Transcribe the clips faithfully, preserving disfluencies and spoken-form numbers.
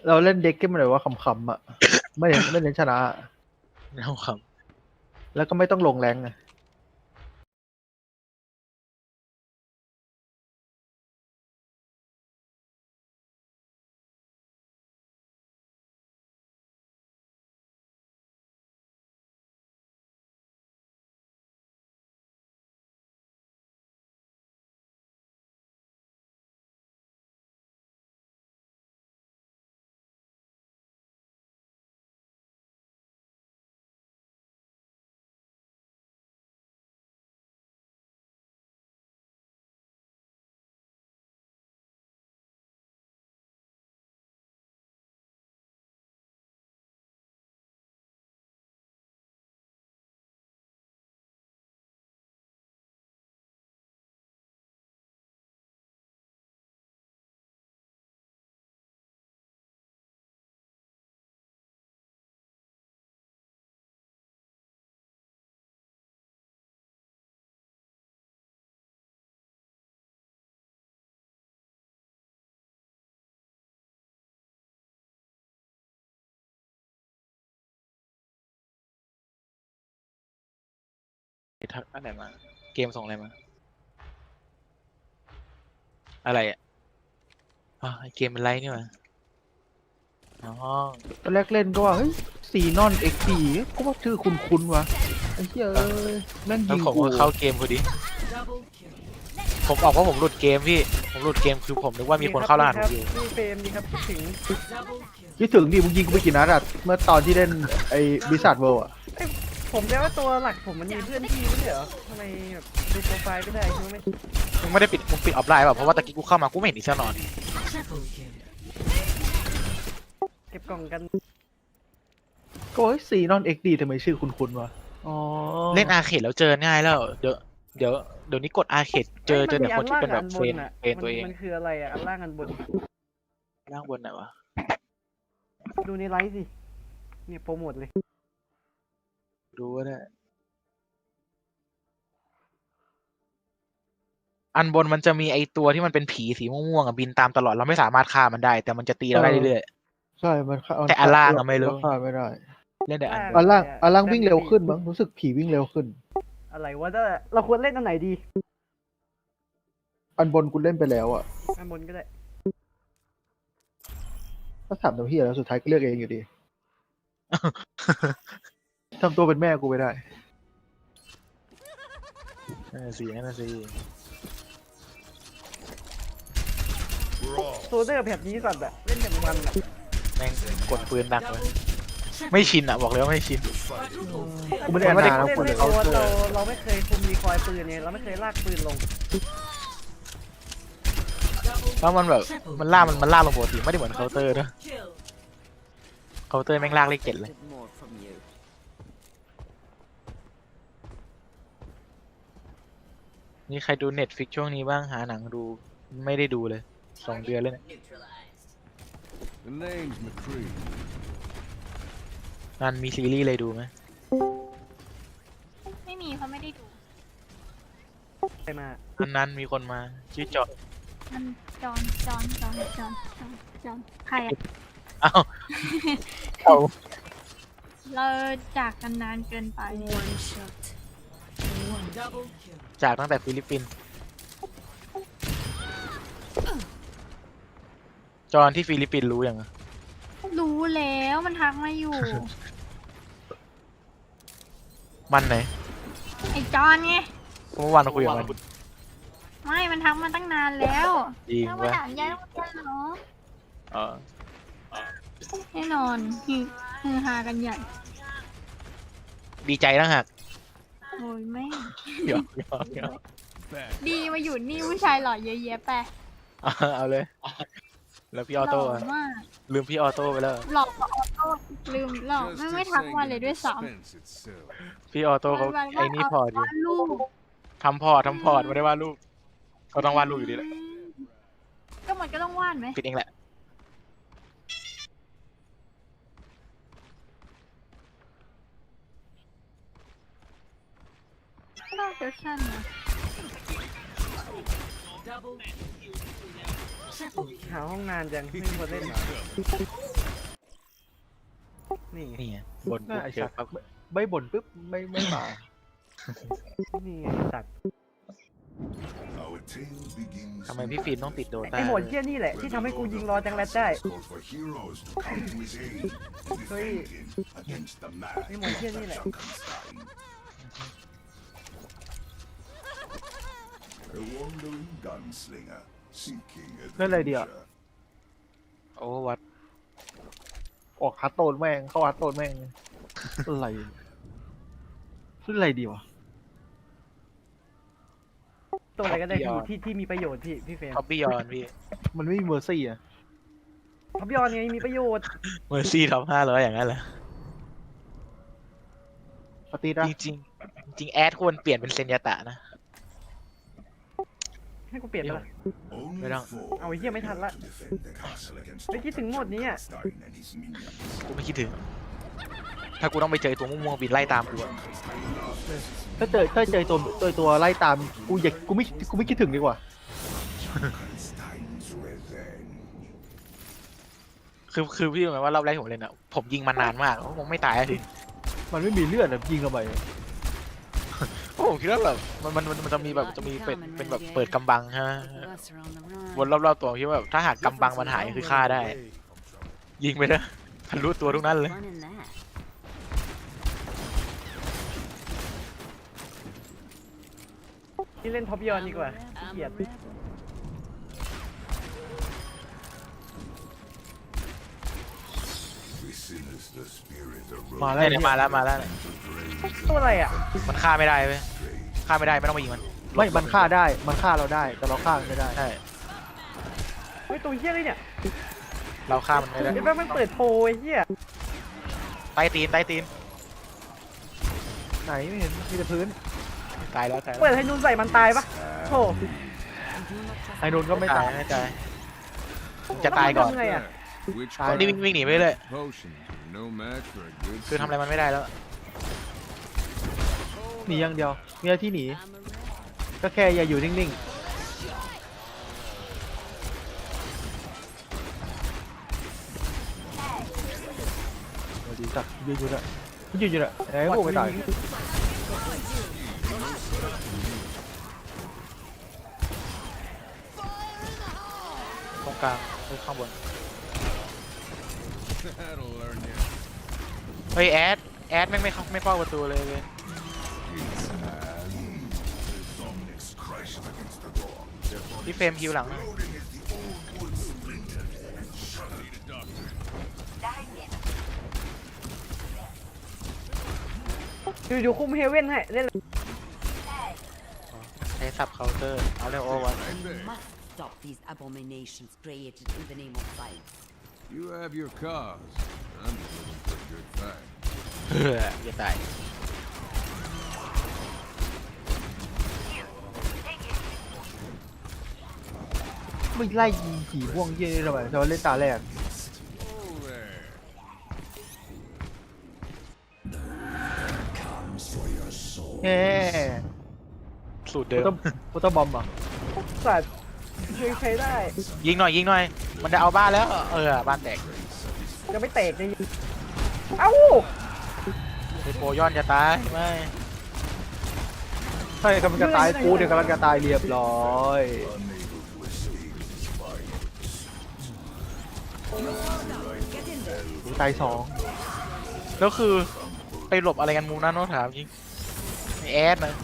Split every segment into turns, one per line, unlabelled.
เราเล่นเด็กที่มันแบบว่าขำๆอ่ะ ไม่เน้นไม่เน้นชนะอะ
เอาครับ
แล้วก็ไม่ต้องลงแรงไง
ทักอะไรมาเกมส่งอะไรมาอะไรอ่ะอ๋อเกมเป็นไรนี่วะอ๋อ
ตอนแรกเล่นก็ว่าเฮ้ยซีนอนเอ็กดีก็ว่าชื่อคุ้นๆวะไอ้เหี้ยเอ้ยแม่ง
แล้ว
ยิง
ผม
กู
ก็เข้าเกมพอดีผมออกว่าผมหลุดเกมพี่ผมหลุดเกมคือผมนึกว่ามีคนเข้ารหัสผมอยู่
พี่เฟรมดีครับคิดถึง
คิดถึงดิมึงยิงกูไปกี่นัดอะเมื่อตอนที่เล่นไอ้บิสัทเวิลด์อะ
ผมแค่ว่าตัวหลักผมมันมีเพื่อนพี่ไม่ใช่เหรอทำไมแบบดูโปรไฟล์ไม่ได้ใช่ไหม
มึงไม่ได้ปิดมึงปิดออฟไลน์ป่ะเพราะว่าตะกี้กูเข้ามากูไม่เห็นอีเซนอน
เก็บกล่องกัน
ก็เฮ้ยซีนอนเอ็กดีทำไมชื่อคุ้นๆวะอ๋อ
เล่นอาร์เคดแล้วเจอง่ายแล้วเดี๋ยวเดี๋ยวเดี๋ยวนี้กดอาร์เคดเจอเจอแต่คนที่เป็นแบบเฟรนเฟรนตัวเอง
มันคืออะไรอ่ะอันล่างอันบน
ล่างบนไหนวะ
ดูในไลฟ์สิเนี่ยโปรโมทเลย
ดูว่าได้อันบนมันจะมีไอตัวที่มันเป็นผีสีม่วงๆอ่ะบินตามตลอดเราไม่สามารถฆ่ามันได้ แต่มันจะตีเราได้เรื่อย
ใช่มันฆ่า
แต่อันล่างอะไม่รู้
ฆ่าไม่ได้
ๆเล่นแต่อันบ
อั
น
นล่างอันล่างวิ่งเร็วขึ้นมั้งรู้สึกผีวิ่งเร็วขึ้น
อะไรวะแต่เราควรเล่นอันไหนดี
อันบนกูเล่นไปแล้วอะ
อันบนก็ได้
ถ้าถามตัวพี่แล้วสุดท้ายก็เลือกเองอยู่ดี ทำตัวเป็นแม่กูไม่ได้
นั่นนะสินั่นนะสิ
โซเดอร์แบบนี้สัตว์อะเล่นแบบมันอะ
แม่งกดปืนดักเลยไม่ชินอ่ะบอกเลยว่าไม่ชิน
กูไม่ได้อ่าน
เรา
นาน
เล่
แล้ว
น
คน
ไม่
เขา
โดน
เจ
เรา
อ
เราไม่เคยคุมรีคอยล์ปืนเนี่ยเราไม่เคยลากปืนลง
แล้วมันแบบมันล่ากมันมันล่ากลงปกติไม่ได้เหมือนเคาน์เตอร์นะเคาน์เตอร์แม่งลากเลขเจ็ดเลยนี่ใครดูเน็ตฟิกช่วงนี้บ้างหาหนังดูไม่ได้ดูเลยสองเดือนเลยเนี่ย
The name's McCree.
นันมีซีรีส์อะไรดูไหม
ไม่มีเขาไม่ได้ดู
ใครมา
นันนั้นมีคนมาชื่อจอด
มันจอนจอนจอนจอนจอนจอนใครอะ
อ้าวเอา
เราจากกันนานเกินไป
จากตั้งแต่ฟิลิปปินส์จอนที่ฟิลิปปินส์รู้ยังอะ
รู้แล้วมันทักมาอยู่
มันไหน
ไอจอนไง
เมื่อวานเราคุยกับมัน
ไม่มันทักมาตั้งนานแล้ว
จริง
แล้วมา
ปะ
ถามยายว่าจะเหรอ
เออ
แน่นอนคือคือฮากันใหญ่
ดีใจนะฮะ
โอ้ยแม่ง
หยอกหยอกหยอก
Bad.
ดีมาอยู่นี่ผู้ชายหล่อเยอะแยะไป
เอาเอาเลย แล้วพี่ออ
หล่
โต้
อ
อะ
มาก
ลืมพี่ออโต้ไปแล้ว
หล่อกว่าออโต้ลืมหล่อไม่ไม่ทักมาเลยด้วยซ้
Dispense itself.
พี่ออโต้เขา
ำวันๆ
ไอ้นี่พอร์ตอยู่
วาดรูป
ทำพอร์ตทำพอร์ตไม่ได้วาดรูปเขาต้องวาดรูปอยู่ดีแหละ
ก็มันก็ต้องวาดไหม
ปิดเองแหละ
ก็เฟชั่นนะ
หาห้องนานจังไม่มีคนเล่นเหรอนี่ไง
นี่ไงบน
น่าไอ้
เจอ
สัตว์
ปั๊บ
ไม่บ่นปุ๊บไม่ไม่มา
นี่ไงตัด
Our tale begins
ทำไมพี่ฟิล์มต้องติดโดต้า
ไอโหมดเที่ยนี่แหละที่ทำให้กูยิงรอจังแรดได้
call for heroes to come to his aid and defend him against the mad
ไอโหมดเที่ยนี่แหละ
Frankenstein. A wandering gunslinger seeking
เล่นอะไรดีอ่ะ
adventure.
โอ้วัด
ออกฮัตโตนแม่งเข้าฮัตโตนแม่งอะไรเล่นอะไรดีวะ
ตัวอะไรก็ได้ที่ที่ที่มีประโยชน์พี่พี่เฟรม
ท็อปบี้ยอนพี่
มันไม่มีเมอร์ซี่อ่ะ
ท็อปยอนไงมีประโยชน์
เมอร์ซี่ท็อปห้าร้อยอย่างนั้นเหรอ
ปฏิรั
จริงๆจริงๆแอดควรเปลี่ยนเป็นเซนยาตะนะ
ให้กูเปลี่ยนไปละ
Only
Wait,
four
เอาไอ้เหี้ยไม่ทันละ
to defend the castle against
ไม่คิดถึงโหมดนี้อ่ะ
Frankenstein and his minions.
กูไม่คิดถึง ถ้ากูต้องไปเจอตัวม่วงๆบินไล่ตามกูอะ
ถ้าเจอถ้าเจอตัวตัวตัวไล่ตามกูอยากกูไม่กูไม่คิดถึงดีกว่า
Frankenstein's revenge.
คือคือพี่รู้ไหมว่ารอบแรกที่ผมเล่นอะผมยิงมันนานมากผมไม่ตายที
มันไม่มีเลือดอะยิงเข้าไป
ผมคิดว่าแบบมันมันมันมันจะมีแบบจะมีเป็นเป็นแบบเปิดกำบังฮะ
Us are on the run.
วนรอบๆตัวคิดว่าแบบถ้าหากกำบังมันหายคือฆ่าได้ ยิงไปนะทะลุตัวทุกนั้นเลย
Fun in that.
ที่เล่นท็อปยอนดีกว่าขี้
I'm
เกีย
a
ด
rebel.
The sinister spirit
มา
arose
แล้ว
เนี่ยมาแล้วมาแล้ว
ตัวอะไรอ่ะ
มันฆ่าไม่ได้เว้ยฆ่าไม่ได้ไม่ต้องไปยิงมัน
ไม่มันฆ่าได้มันฆ่าเราได้แต่เราฆ่ามันไม่ได้
ใช่
เฮ้ยตัวเหี้ยเลยเนี่ย
เราฆ่ามันไม่ได้
เดี๋ยวแม่งมันเปิดโปรไอ้เหี้ย
ใต้ตีนใต้ตีน
ไหนไม่เห็นมีแต่พื้น
ตายแล้วตาย
เปิ
แล้
ด
ว
ให้นุ่นใส่มันตายปะโธ่
ไอ้โดนก็ไม่ตาย
ไม่ตายผมจะตายก่อน
ทำไงอ่ะ
Which
ตาย
นี่วิ่งวิ่งหนีไปเลย
potions are no match for a good
คือทำอะไรมันไม่ได้แล้ว
หนีอย่างเดียวมีอะไรที่หนี
I'm a rebel.
ก็แค่อย่าอยู่นิ่งๆสวัสดีจ้ะยืนอยู่น่ะยืนอยู่น่ะไหนพวกไม่ตาย
ตรงกลางหรือข้างบน
That'll learn you.
เฮ้ยแอดแอดไม่งไม่เข้าไม่เฝ้าประตูเลยเลย
Dominic's crashed against the door.
พี่เฟรมฮิวหลัง
Loading as the old wood splintered and shuddered.
Need a doctor.
อยู่อยู่คุมเฮเว่นให้เล่นเลย
ใช้สับเคาน์เตอร์เอาเร็วโอวัน
Right
We
there.
must stop these abominations created in the name of science.
You have your cause. I'm just looking for a good fight.
เฮ้ยอย่าตาย
ไม่ไล่ยิงผีม่วงเยี่ยนี่ทำไมแต่ว่าเล่นตาแรก
Oh there.
แฮ่
สูตร
โฟ
เดิ
โต้
ม
โฟโต้บอมอ่ะ
สัตว์ช่วยใช้ได้
ยิงหน่อยยิงหน่อย มันจะเอาบ้านแล้ว เออบ้านแตก
จะไม่แตกเลยเอ้า
เฮโปย้อนจะตายไม่
ใช่กำลังจะตายกูเดี๋ยวกำลังจะตายเรียบร้อยตายสอง
แล้วคือไปหลบอะไรกันมุมนั้นน้องถามจริงไอ้แอดนะ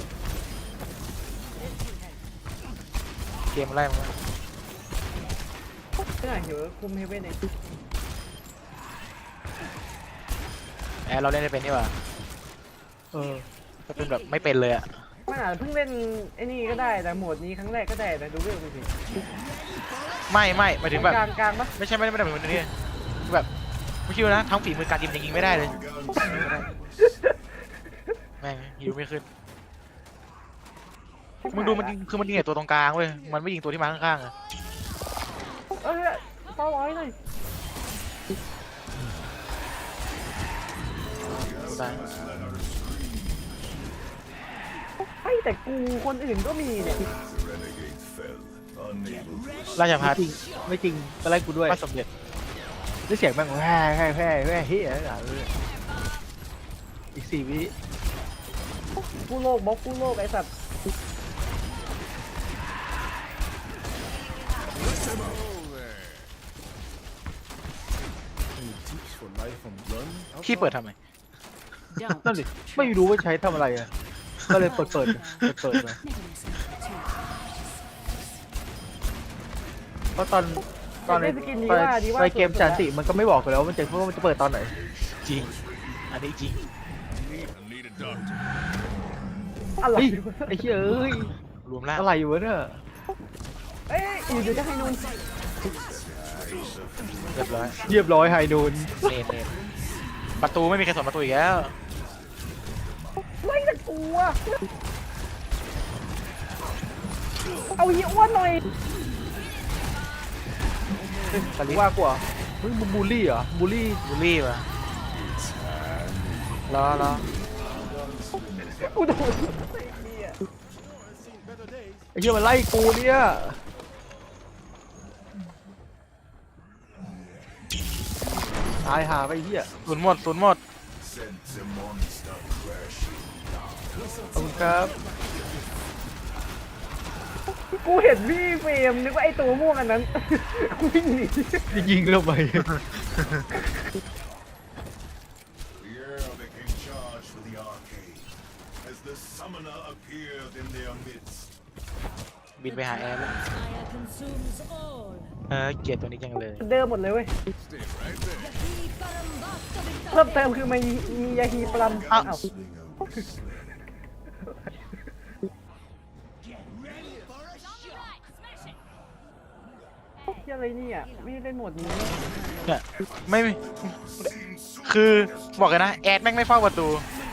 เกมอะไรมั้ง
ไม่น่าหิวคุมเฮเว่นเอง
แอดเราเล่นได้เป็นนี่หว่า
เออ
ก็เป็นแบบไม่เป็นเลยอะ
มันอาจจะเพิ่งเล่นไอ้นี่ก็ได้แต่โหมดนี้ครั้งแรกก็ได้แต่ดูเรื่องดูสิ
ไม่ไม่หมายถึงแบบ
กลางกลางปะ
ไม่ใช่ไม่ได้ไม่ได้เหมือนนี่แบบไม่คิดว่านะทั้งฝีมือการยิงยิงไม่ได้เลยแม่งยิงไม่ขึ้นมึงดูมันยิงคือมันยิงไอ้ตัวตรงกลางเว้ยมันไม่ยิงตัวที่มาข้างๆอะ
เอ้ยเป้าร้อยเลย
ตาย
ไอ้ยแต่กูคนอื่นก็มีเนี่ย
The renegade fell, unable to
ราชพัฒ
จริงไม่จริงก็ไล่กูด้วย
พระสมเด็จ
ได้เสียงแม่งแห่แห่แห่แห่เฮียอีกสี่วิ
กู้โลกบล็อกกู้โลกไอ้สัตว์
พี่เปิดทำไม
นั่นดิไม่รู้ว่าใช้ทำอะไรอ่ะก็เลยเปิดเปิดเปิดเปิดมาเพราะตอนตอนใน
สกินดี
ตอน
ว่าดีว่า
ในเกมจันติมันก็ไม่บอกอยู่แล้วว่ามันจะว่ามันจะเปิดตอนไหน
จริง อันนี้จริง
I need a doctor.
อะไร
เฮ้ยไอ้เหี้ยเอ้ย
รวมล่าง
อะไรอยู่วะเนี่ย
เอ้ยอยู่จะให้นุ่น
เรียบร้อย
เรียบร้อยไฮนูน
เนนเนนประตูไม่มีใครสนประตูอีกแล้ว
ไล่ตะกูอะเอาเหี้ยอ้วนหน่อย
แต่รู้ว่ากว่าเฮ้ยมึงบูลลี่เหรอบูลลี่
บูลลี่ปะรอรอ
กูโดน
ไอ้เหี้ยมันไล่กูเนี่ยตายหาไปไอ้เหี้ย
ศูนย์หมดศูนย์หมด
Sent the monster crashing.
ขอบคุณครับ
กูเห็นพี่เฟรมนึกว่าไอ้ตัวม่วงอันนั้นวิ่งหนี
ยิงเราไป
The air became charged with the arcade as the summoner appeared in their midst.
บินไปหาแอร์แล้วเออเกลียดตัวนี้จังเลย
เดิมหมดเลยเว้ย
Stay right there.
เพิ่มเติมคือมีมียาฮีปลัมอ้าว
Sling out the sling.
ที่อะไรเนี่ยไม่ได้เล่นโหมดนี้
เนี่ยไม่มีคือบอกกันนะแอดแม่งไม่เฝ้าประตู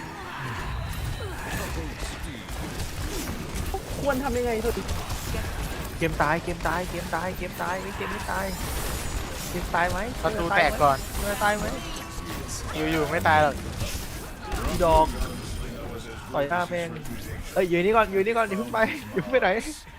ควรทำยังไงสุด
เกมตายเกมตายเกมตายเกมตายไม่เกมไม่ตายเกมตายไหม
ประตูแตกก่อน
เกมตายไหม
อยู่ๆไม่ตายหรอก
อีดอกต่อยหน้าเพลงเอ้ยอยู่นี่ก่อนอยู่นี่ก่อนอย่าเพิ่งไปอย่าเพิ่งไปไหน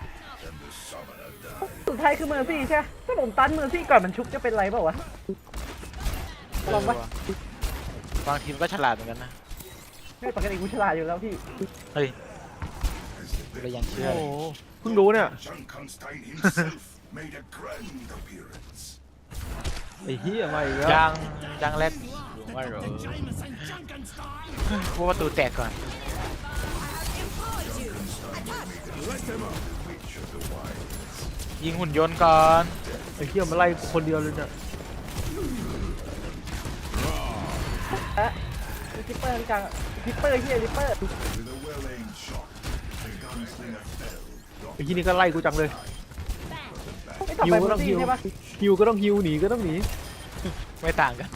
สุดท้ายคือเมอร์ซี่ใช่ไหมถ้าผมตันเมอร์ซี่ก่อนมันชุบจะเป็นไรเปล่าวะลองปะ
บางทีมก็ฉลาดเหมือนกันนะ
ไม่ปกติกูฉลาดอยู่แล้วพี่
เฮ้ยเรายังเชื่อ
โอ้
เลย
โหเพิ่งรู้เนี่ย
Junkenstein himself made a grand appearance.
ไอ้เหี้ยมาอีกแล้ว
ยังยังเล็กว่าเหรอพวกประตูแตกก่อน ยิงหุ่นยนต์ก่อน
ไอ้เหี้ยมาไล่กูคนเดียวเลยเนี่ย
เอ๊ะทิปเปอร์กลางทิปเปอร์เฮียทิปเปอร์
With a well-aimed shot, the gunslinger fell.
ไอ้ที่นี่ก็ไล่กูจังเลย
ไม่ต่อ
ฮิ
ไป
ว
เม
ก็
อ
ต้อง
ร์ซี่
ฮิว
ใช่ปะ
ฮิวก็ต้องฮิวหนีก็ต้องหนี
ไม่ต่างกัน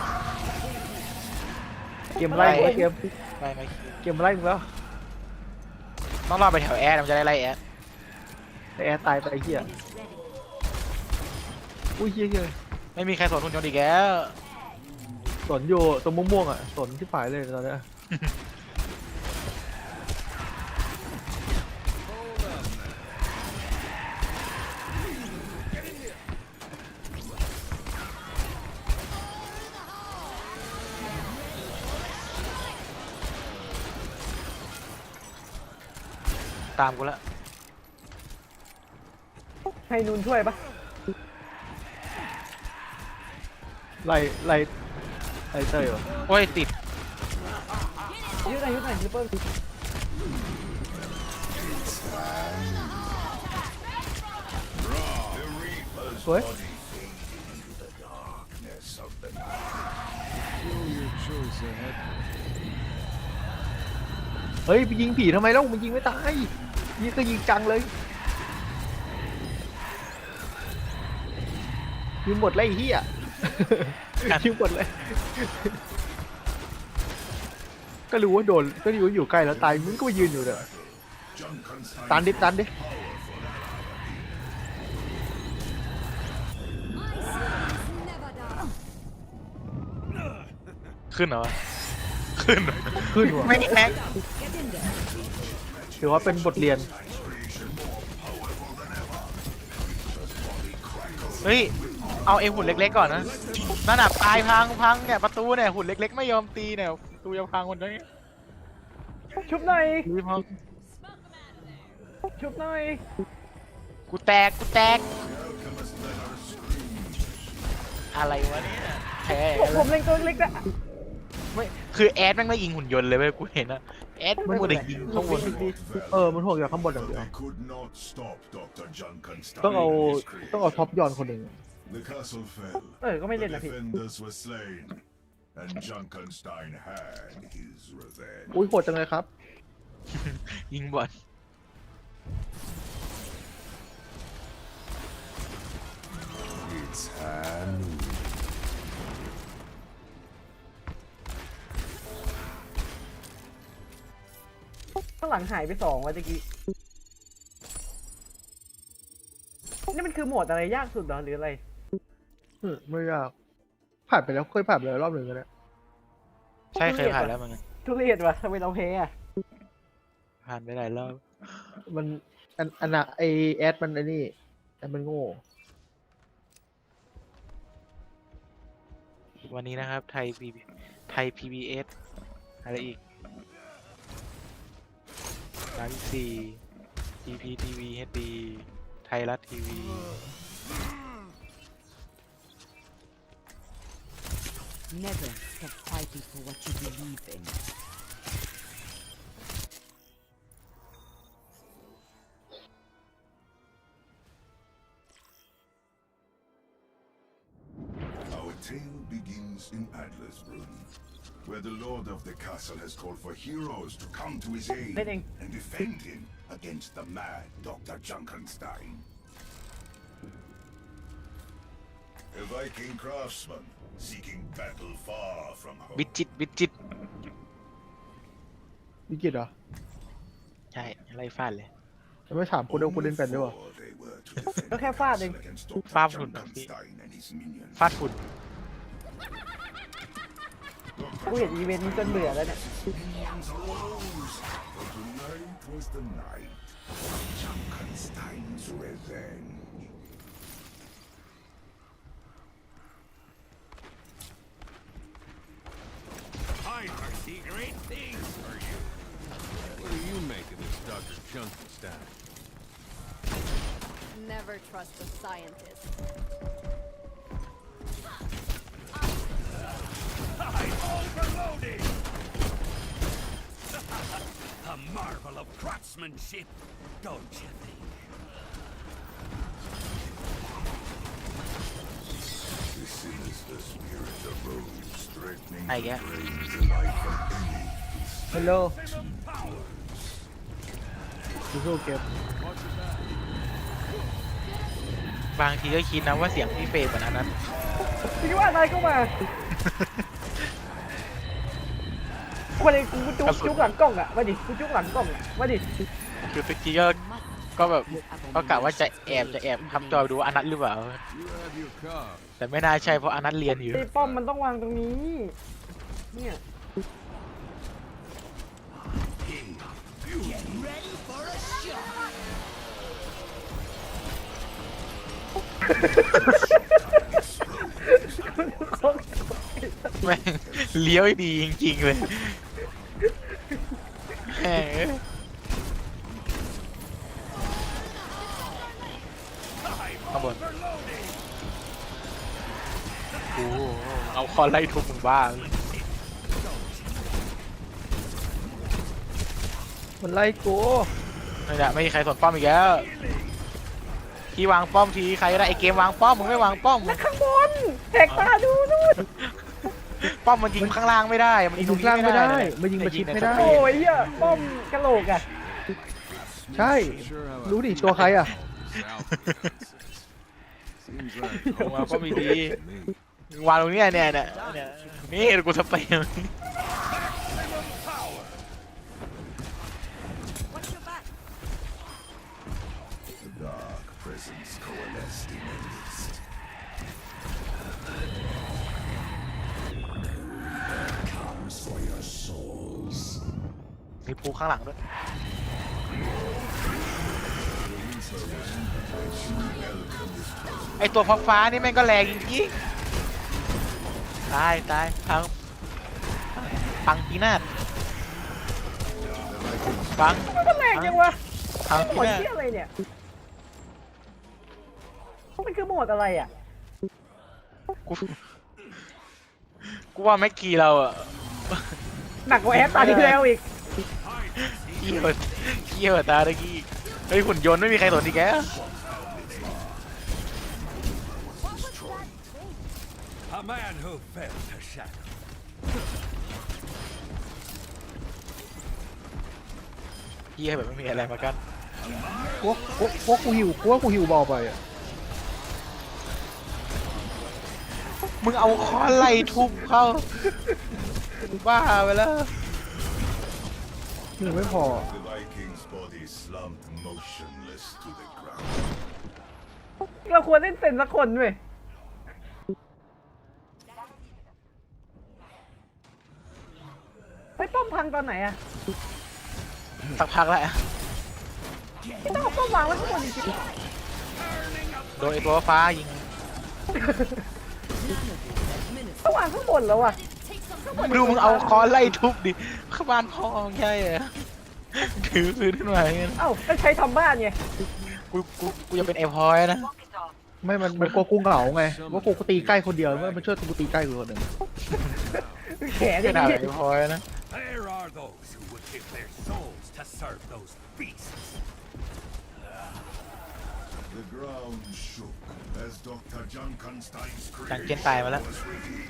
เกมไล่กูแล้วเกม
ไม่ไม่
เกมไล่มึงแล้ว
ต้องรอไปแถวแอดมันจะได้ไล่แอด
ไอ้แอร์ตายไปไอ้เหี้ยอุ้ยเหี้ยเหี้ย
ไม่มีใครสนหุ่นยนต์อีกแล้ว
สนอยู่ตรงม่วงๆอ่ะสนที่ฝ่ายเลยตอนเนี้ย
ตามกูละ
ให้นูนช่วยปะ
ไล่ไล่ไล่เต้ยวะ
โอ้ยติด
ยืดหน่อยยืดหน่อยทิปเปอร์
สวย
Darkness of the night.
Your choice ahead.
เฮ้ยไปยิงผีทำไมแล้วมันยิงไม่ตายยิงก็ยิงจังเลยยิงหมดเลยไอ้เหี้ย ยิงหมดเลย ก็รู้ว่าโดนก็รู้ว่าอยู่ใกล้แล้วตายมึงก็มายืนอยู่เด้อ
Junkenstein
ตันดิตันดิ
ขึ้นเหรอ ขึ้นเหรอ
ขึ้นว่ะ
ไม่แม็ก
ถือว่าเป็นบทเรียน
เฮ้ย เอาเอ็มหุ่นเล็กๆก่อนนะนั่นน่ะตายพังพังเนี่ยประตูเนี่ยหุ่นเล็กๆไม่ยอมตีเนี่ยประตูจะพังหมดเลย
ชุบหน่อย
ตีพัง
ชุบหน่อย
กูแตกกูแตก
The alchemist let her scream.
อะไรวะเนี่ยแพ้
ผมผมเล็งตัวเล็กนะ
ไม่คือแอดแม่งไม่ยิงหุ่นยนต์เลยเว้ยกูเห็นนะแอดไม่หมดเลยยิงข้างบน
เออมันห่วงจากข้างบนอย่างเดียว
They could not stop Doctor Junkenstein
ต้องเอา
and his
ต้องเอา
creation.
ท็อปยอนคนหนึ่ง
The castle fell.
เออก็ไม่เล่
The
นนะพี่
defenders were slain, and Junkenstein had his revenge.
อุ้ยโหดจังเลยครับ
ยิงบอล
It's Hanu.
ข้างหลังหายไปสองวันตะกี้นี่มันคือโหมดอะไรยากสุดเหรอหรืออะไร
อืมไม่ยากผ่านไปแล้วเคยผ่านไปแล้วรอบหนึ่งกันแล้ว
ใช่เคยผ่านแล้วมัน
ทุเรศวะทำไมเราแพ้อะ
ผ่านไปหลายรอบ
มันอันอันน่ะไอแอดมันไอ้นี่แอดมันโง่
วันนี้นะครับไทยพีไทย พี บี เอส อะไรอีกสามสี่ จี พี ที วี เอช ดี ไทยรัฐทีวี
Never stop fighting for what you believe in.
Our tale begins in Adlersbrunn, where the lord of the castle has called for heroes to come to his aid
Bidding.
and defend him against the mad Doctor Junkenstein. A Viking craftsman seeking battle far from home.
วิจิตรวิจิตร
วิกิตเหรอ
ใช่ไล่ฟาดเลย
จะไม่ถามกูเดี๋ยวกูเล่นเป็นด้วยวะ
Before they were to defend
Look how
the
far
castle
they-
against Doctor
Far from the-
Junkenstein and his minions.
ฟาดฝุ่น
กูเห็นอีเวนต์นี้จนเบื่อแล้วเนี่ย
Minions arose, but tonight was the night of Junkenstein's revenge.
I foresee great things for you. What do you make of this Doctor Junkenstein?
Never trust the scientist.
I'm overloading! A marvel of craftsmanship, don't you think? The sinister spirit arose, threatening
I
to
get-
drain the life of any
ฮัลโหล
powers.
สู้ๆเก็บบ
างทีก็คิดนะว่าเสียงพี่เฟย์เหมือนอันนั้น
คิดว่าอะไรก็มาวันนี้กูจุกจุกหลังกล้องอ่ะมาดิกูจุกหลังกล้องอ่ะมาดิ
คือตะกี้ก็ก็แบบก็กะว่าจะแอบจะแอบทำจอยดูว่าอันนั้นหรือเปล่า
You have your cause.
แต่ไม่น่าใช่เพราะอันนั้นเรียนอยู่
ไอ้ป้อมมันต้องวางตรงนี้ เนี่ย
แม่งเลี้ยวดีจริงๆเลยแหมข้างบนโอ้โหเอาคอนไล่ทุบมึงบ้า
มันไล่กู
ไม่ได้ไม่มีใครสนป้อมอีกแล้วที่วางป้อมทีใครก็ได้ไอเกมวางป้อมมึงไม่วางป้อม
ข้างบนแหกตาดูนู่น
ป้อมมันยิงข้างล่างไม่ได้มัน
ยิ
ยิ
ง
งตรง
ล่าง
นี้
ไม่
ไม่
ได้
ได้
มันยิงประชิดไม่ได้
โอ้ยเหี้ยป้อมกะโหลกอ่ะ
ใช่
Sure how I
รู้ดิ
feel
ตัวใครอ่ะ
South Seems like
วางป้อม
home
ดี
to me.
ๆวางตรงเนี้ยเนี่ยเนี่ยเนี่ยนี่กูสเปรย์
Watch your back.
The dark presence coalesced in the mist. Comes for your souls.
มีภูข้างหลังด้วยไอตัวฟ้าฟ้าๆนี่แม่งก็แรงจริงตายตายพังพังปีนาศพัง
มันแรงจังวะ
พัง
หม
ปี
ด
นาศ
ที่อะไรเนี่ยมันคือหมดอะไรอ่ะ
กูกูว่าแม็กกี้เราอะ
หนักกว่าแอปตาที่แล้วอีก
เกี่ยวเกี่ยวตาตะกี้เฮ้ยหุ่นยนต์ไม่มีใครสนอีกแก
A man who fell to shadow.
เกี่ยวแบบไม่มีอะไรมากัน
กูว่ากูกูว่ากูหิวกูว่ากูหิวเบาไปอ่ะ
มึงเอาค้อนไล่ทุบเข้าบ้าไปแล้ว
หิวไม่พอ
The Viking's body slumped motionless to the ground.
เราควรเล่นเซนสักคนเว้ยไปป้อมพังตอนไหนอะ
สักพักแล้ว
ไม่ต้องเอาป้อมวางไว้ข้างบนจริง
โดนไอ้ตัวฟ้ายิง
ๆต้องวางข้างบนแล้วอะ
ดูมึงเอาค้อนไล่ทุบดิเข้าบ้านพ่อมึงใช่เหรอถือปืนขึ้นมาอย่างเงี้ย
เอ้าก็ใช้ทำบ้านไง
กูกูกูจะเป็นไอ้พอยนะ
ไม่มันมันกลัวกูเหงาไงว่ากูตีใกล้คนเดียวว่ามันช่วยกูตีใกล้กูคนหนึ่ง
แขนอ
ข
ย่าง
นาด
นี้
ไอ้พอยนะ
There are those who would give their souls to serve those beasts.
The ground shook as Doctor Junkenstein's
จังเกนตายมาแล้ว
was revealed.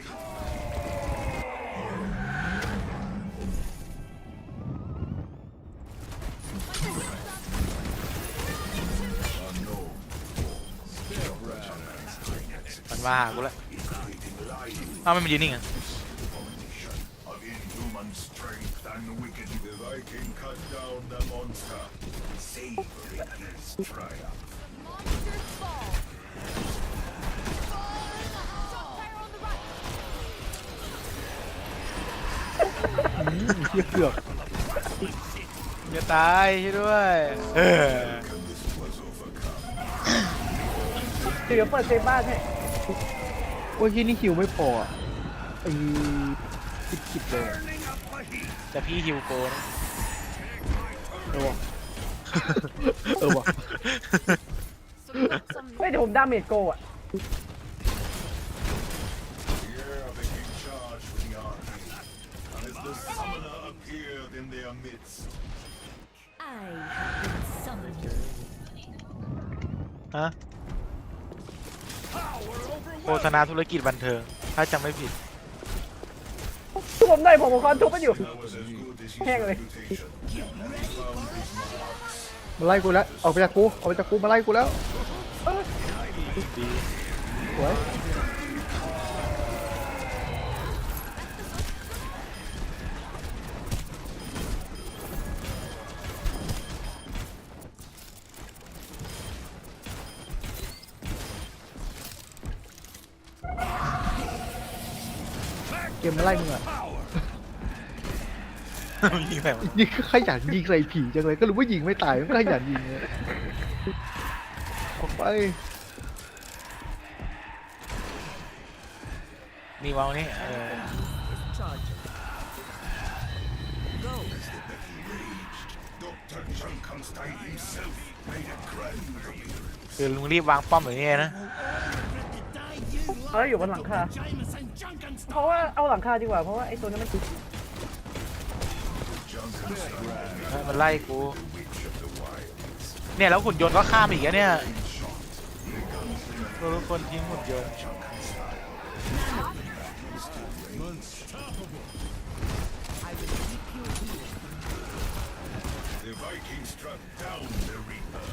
Unknown force. Doctor Junkenstein
มันมาหากูแล้ว
is creating life
อ้าวไม่มันยืนนิ่งอ่ะ
combination of inhuman strength and wicked. The Viking cut down the monster, savoring his triumph.
Monsters fall. Shot fire on the right.
เหี้ยเกือบ
อย่าตายช่วยด้วยเออ
This was overcome.
เดี๋ยวเปิดเซฟบ้านให้
โอ้ยที่นี่หิวไม่พออ่ะไอ้คิดคิดเลยอะ
แต่พี่ฮิวโกนะ
เออวะ เออวะ
So we got some
ไม่เดี๋ยวผมดาเมจโกอะ
Here became charged with the army, as the summoner appeared in their midst.
I have been summoned.
ฮะโฆษณาธุรกิจบันเทิงถ้าจำไม่ผิด
ทุบผมหน่อยผมเอาคอนทุบมันอยู่
That was as good as his
Hang on.
reputation, and he found his marks.
มาไล่กูแล้วออกไปจากกูออกไปจากกูมาไล่กูแล้วสวย เกมมาไล่มึงอ่ะ
ยิงแบบ
ยิงขยันยิงใส่ผีจังเลยก็รู้ว่ายิงไม่ตายมันก็ขยันยิงเลยออกไป
มีวางนี่เออ
Doctor Junkenstein himself made a grand appearance.
คือลุงรีบวางป้อมอย่างนี้นะ
เอาอยู่บนหลังคา เพราะว่าเอาหลังคาดีกว่าเพราะว่าไอ้ตัวนี้มัน
มันไล่กู เนี่ยแล้วหุ่นยนต์ก็ข้ามอีกแล้วเนี่ยทุกคนทิ้งหุ่นยนต์
The Vikings struck down the Reaper.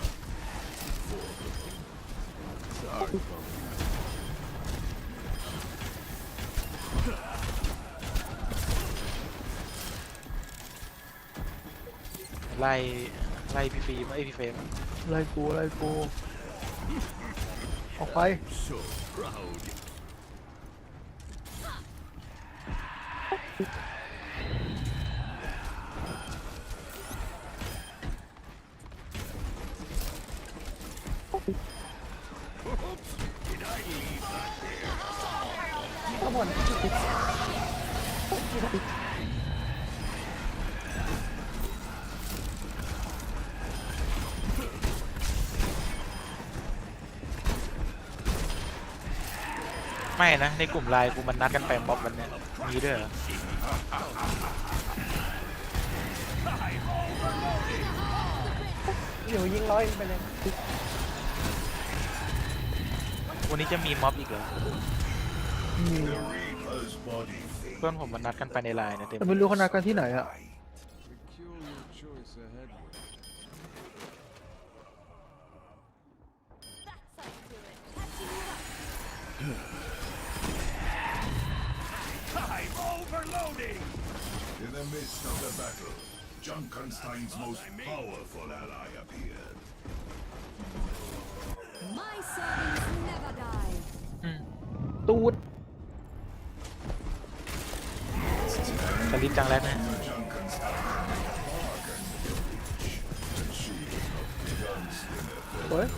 ไล่ไล่พี่ฟิล์มไอ้ยพี่เฟรม
ไล่กูไล่กูออกไป
So proud.
ข้างบน
ไม่นะ ในกลุ่มไลน์กูมันนัดกันไปม็อบวันเนี้ยมีด้วยเหรอ
เดี๋ยวยิงร้อยไปเลย
วันนี้จะมีม็อบอีกเหรอ
The Reaper's body
เพื่อนผมมันนัดกันไปในไลน์นะเต็ม
แต่ไม่รู้เขานัดกันที่ไหนอะ
Peculiar choice ahead.
I'm overloading! In the midst of the battle, Junkenstein's most powerful ally appeared.
My servants never die.
ตูด
สลิปจังแล้วนะ
Junkenstein bargained the witch, and she was not the gunslinger
เฮ้ย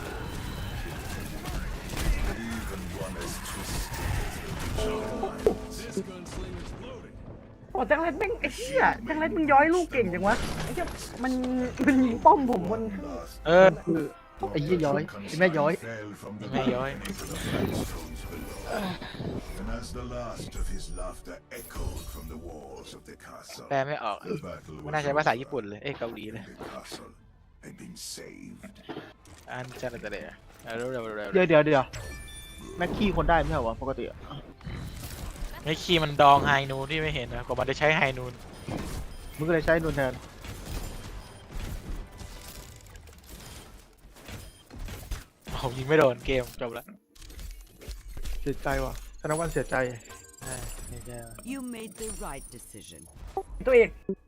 even one as twisted as the
This gunslinger's loaded.
โอ้จังเล็ดแม่งไอ้เหี้ยจังเล็ดมึงย้อยลูกเก่งจังวะไอ้เหี้ยมันมันยิงป้อมผมบน
last
เออ
คือไอ้เหี้ยย้อยไอ้แม่ย้อย
fell from the
Mẹย้อย
balcony to the flagstones below. And as the last of his laughter echoed from the walls of the castle,
แปลไม่ออก
the battle
ไม่
was
น่าใช้ภาษา
over.
ญี่ปุ่นเลย เอ้ยเกาหลีเลย
The castle had been saved.
อันจันทร์เลยเร็วเร็วเร็ว
เดี๋ยวเดี๋ยวเดี๋ยวแม็กกี้คนได้ไม่ใช่เหรอวะปกติอะ
ไอ้คีย์มันดองไฮนูนที่ไม่เห็นนะกว่ามันจะใช้ไฮนูน
มึงก็เลยใช้นูนแทน
โอ้ยิงไม่โดนเกมจบละ
เสียใจว่ะธนวันเสียใจ
ใช่ไม่ใช่
You made the right decision.
ตัวเอก